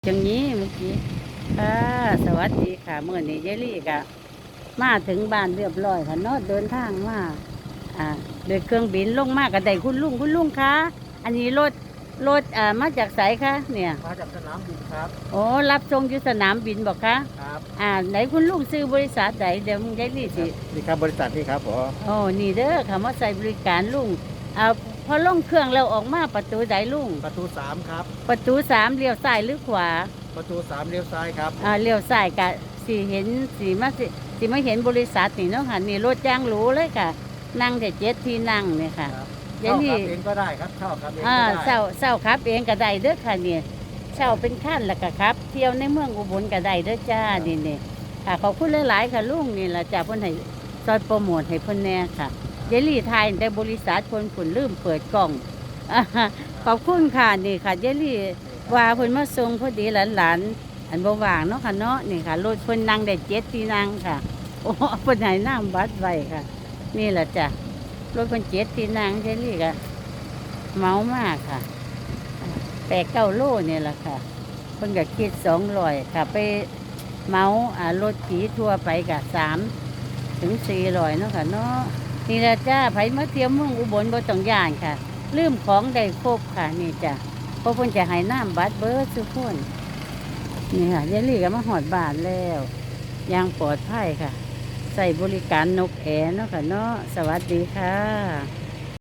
อย่างนี้เมื่อกี้ค่ะสวัสดีค่ะเมื่อนี้ยายลี่ก็มาถึงบ้านเรียบร้อยค่ะเนาะเดินทางมาอ่าโดยเครื่องบินลงมากับได้คุณลุงคะอันนี้รถมาจากไสคะเนี่ยมาจากสนามบินครับโอ้รับส่งอยู่สนามบินบอกคะครับไหนคุณลุงซื้อบริษัทใดเดี๋ยวยายลี่สินี่ครับบริษัทนี่ครับผมโอ้นี่เด้อค่ะมาใส่บริการลุงอ่าพอลงเครื่องแล้วออกมาประตูใดลุงประตูสามครับประตูสามเลี้ยวซ้ายหรือขวาประตูสามเลี้ยวซ้ายครับเลี้ยวซ้ายกะสีเห็นสีมาเห็นบริษัทนี่เนาะค่ะนี่รถจ้างหรูเลยค่ะนั่งแต่7 ที่นั่งเนี่ยค่ะครับเดี๋ยวนี้เช่าขับเองก็ได้ครับเช่าขับเองก็ได้เศร้าครับเองก็ได้เด้อค่ะเนี่ยเช่าเป็นขั้นแล้วก็ครับเที่ยวในเมืองอุบลก็ได้เด้อจ้านี่ค่ะขอบคุณหลายๆค่ะลุงนี่ล่ะจ้าเพิ่นให้ซอยโปรโมทให้เพิ่นแน่ค่ะเยลลี่ไทยแต่บริษัทคนผุนลืมเปิดกล่องอ่าขอบคุณค่ะนี่ค่ะเยลลี่ว่าเพิ่นมาส่งพอดีหลานๆ อันบ่ว่างเนาะค่ะเนาะนี่ค่ะรถเพิ่นนั่งได้7 ที่นั่งค่ะโอ้เพิ่นให้นั่งบัสไว้ค่ะนี่แหละจ้ะรถเพิ่น7 ที่นั่งใช่นี่ก็เมามากค่ะ8-9 โลนี่แหละค่ะเพิ่นก็คิด200ค่ะไปเมารถขี่ทั่วไปก็3 ถึง 400เนาะค่ะเนาะนี่แหละจ้าไผมาเที่ยวเมืองอุบลบ่ต้องย้านค่ะลืมของได้ครบค่ะนี่จ้ะเพราะเพิ่นจะให้น้ำบัตรเบิดทุกคน นี่ค่ะยายลี่ก็มาหอดบ้านแล้วยังปลอดภัยค่ะใส่บริการนกแอร์เนาะค่ะเนาะสวัสดีค่ะ